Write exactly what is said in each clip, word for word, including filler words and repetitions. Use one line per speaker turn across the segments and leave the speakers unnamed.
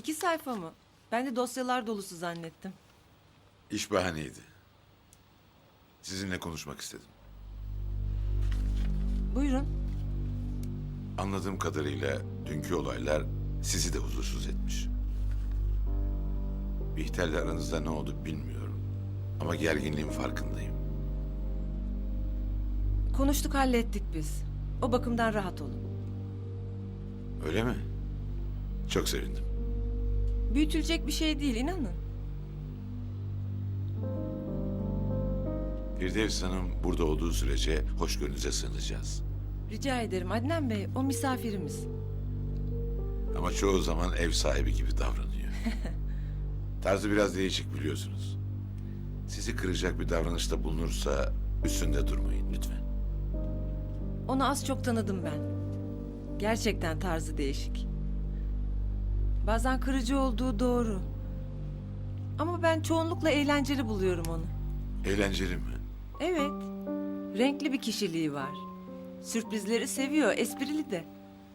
İki sayfa mı? Ben de dosyalar dolusu zannettim.
İş bahaneydi. Sizinle konuşmak istedim.
Buyurun.
Anladığım kadarıyla dünkü olaylar sizi de huzursuz etmiş. Bihter'le aranızda ne oldu bilmiyorum. Ama gerginliğin farkındayım.
Konuştuk, hallettik biz. O bakımdan rahat olun.
Öyle mi? Çok sevindim.
Büyütülecek bir şey değil, inanın.
Firdevs Hanım burada olduğu sürece hoşgörünüze sığınacağız.
Rica ederim Adnan Bey, o misafirimiz.
Ama çoğu zaman ev sahibi gibi davranıyor. Tarzı biraz değişik biliyorsunuz. Sizi kıracak bir davranışta bulunursa üstünde durmayın lütfen.
Onu az çok tanıdım ben. Gerçekten tarzı değişik. Bazen kırıcı olduğu doğru. Ama ben çoğunlukla eğlenceli buluyorum onu.
Eğlenceli mi?
Evet. Renkli bir kişiliği var. Sürprizleri seviyor, esprili de.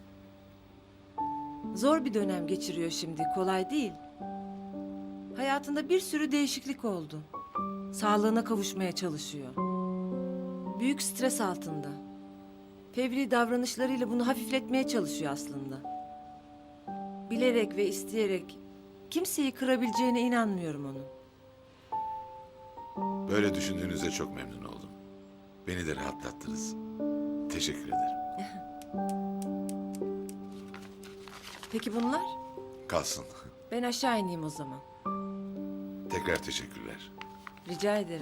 Zor bir dönem geçiriyor şimdi, kolay değil. Hayatında bir sürü değişiklik oldu. Sağlığına kavuşmaya çalışıyor. Büyük stres altında. Fevri davranışlarıyla bunu hafifletmeye çalışıyor aslında. Bilerek ve isteyerek kimseyi kırabileceğine inanmıyorum onun.
Böyle düşündüğünüzde çok memnun oldum. Beni de rahatlattınız. Teşekkür ederim.
Peki bunlar?
Kalsın.
Ben aşağı ineyim o zaman.
Tekrar teşekkürler.
Rica ederim.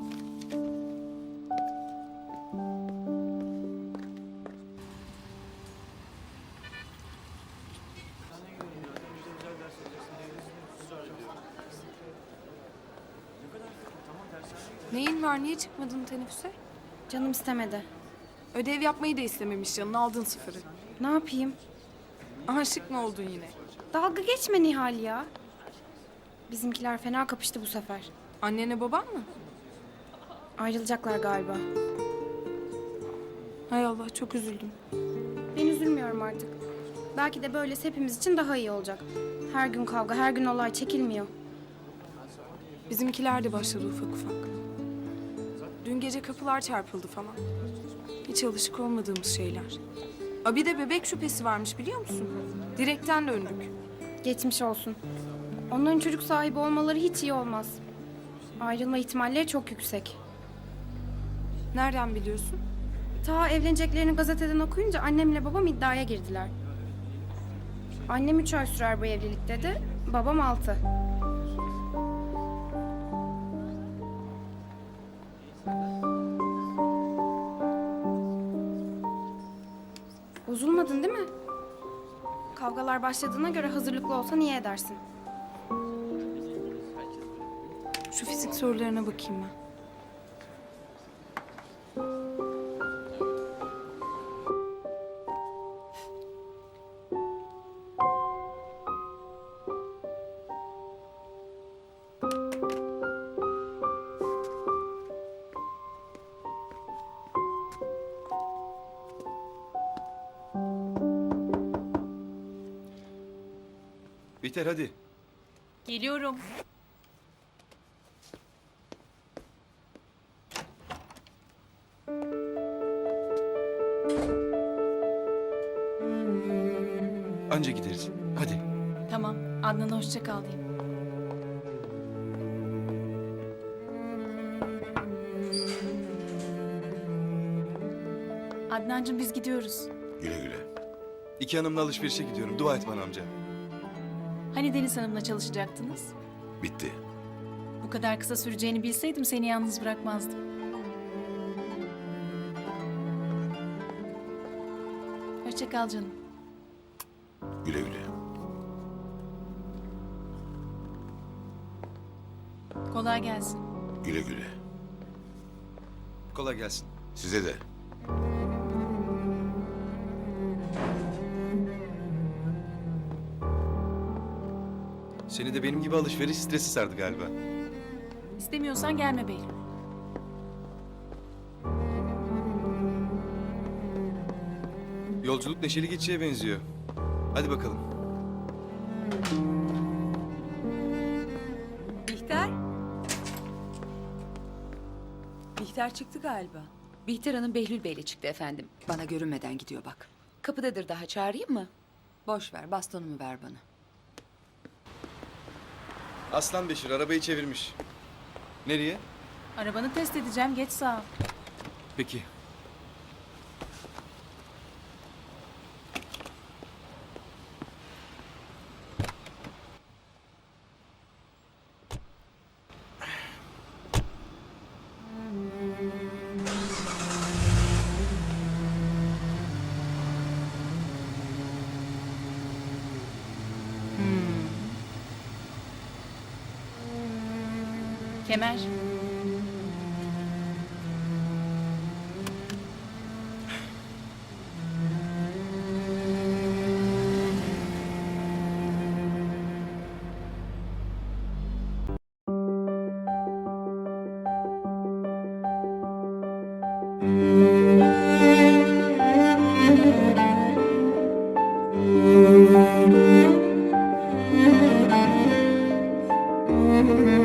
Neyin var? Niye çıkmadın teneffüse?
Canım istemedi.
Ödev yapmayı da istememiş canın. Aldın sıfırı.
Ne yapayım?
Aşık mı oldun yine?
Dalga geçme Nihal ya. Bizimkiler fena kapıştı bu sefer.
Annene baban mı?
Ayrılacaklar galiba.
Hay Allah, çok üzüldüm.
Ben üzülmüyorum artık. Belki de böylesi hepimiz için daha iyi olacak. Her gün kavga, her gün olay çekilmiyor.
Bizimkiler de başladı ufak ufak. Dün gece kapılar çarpıldı falan. Hiç alışık olmadığımız şeyler. Aa, bir de bebek şüphesi varmış biliyor musun? Direkten döndük.
Geçmiş olsun. Onların çocuk sahibi olmaları hiç iyi olmaz. Ayrılma ihtimalleri çok yüksek.
Nereden biliyorsun?
Ta evleneceklerini gazeteden okuyunca annemle babam iddiaya girdiler. Annem üç ay sürer bu evlilik dedi, babam altı. Bozulmadın değil mi? Kavgalar başladığına göre hazırlıklı olsan iyi edersin.
Şu fizik sorularına bakayım ben.
Bihter hadi.
Geliyorum.
Anca gideriz. Hadi.
Tamam. Adnan'a hoşça kal diyeyim. Adnancığım biz gidiyoruz.
Güle güle.
İki hanımla alışverişe gidiyorum. Dua et bana amca.
Hani Deniz Hanım'la çalışacaktınız?
Bitti.
Bu kadar kısa süreceğini bilseydim seni yalnız bırakmazdım. Hoşça kal canım.
Güle güle.
Kolay gelsin.
Güle güle.
Kolay gelsin.
Size de.
Seni de benim gibi alışveriş stresi sardı galiba.
İstemiyorsan gelme Behlül.
Yolculuk neşeli geçeceğe benziyor. Hadi bakalım.
Bihter çıktı galiba.
Bihter Hanım Behlül Bey'le çıktı efendim. Bana görünmeden gidiyor bak. Kapıdadır daha, çağırayım mı? Boş ver, bastonumu ver bana.
Aslan Beşir arabayı çevirmiş. Nereye?
Arabanı test edeceğim. Geç sağ ol.
Peki.
Kemer.
Müzik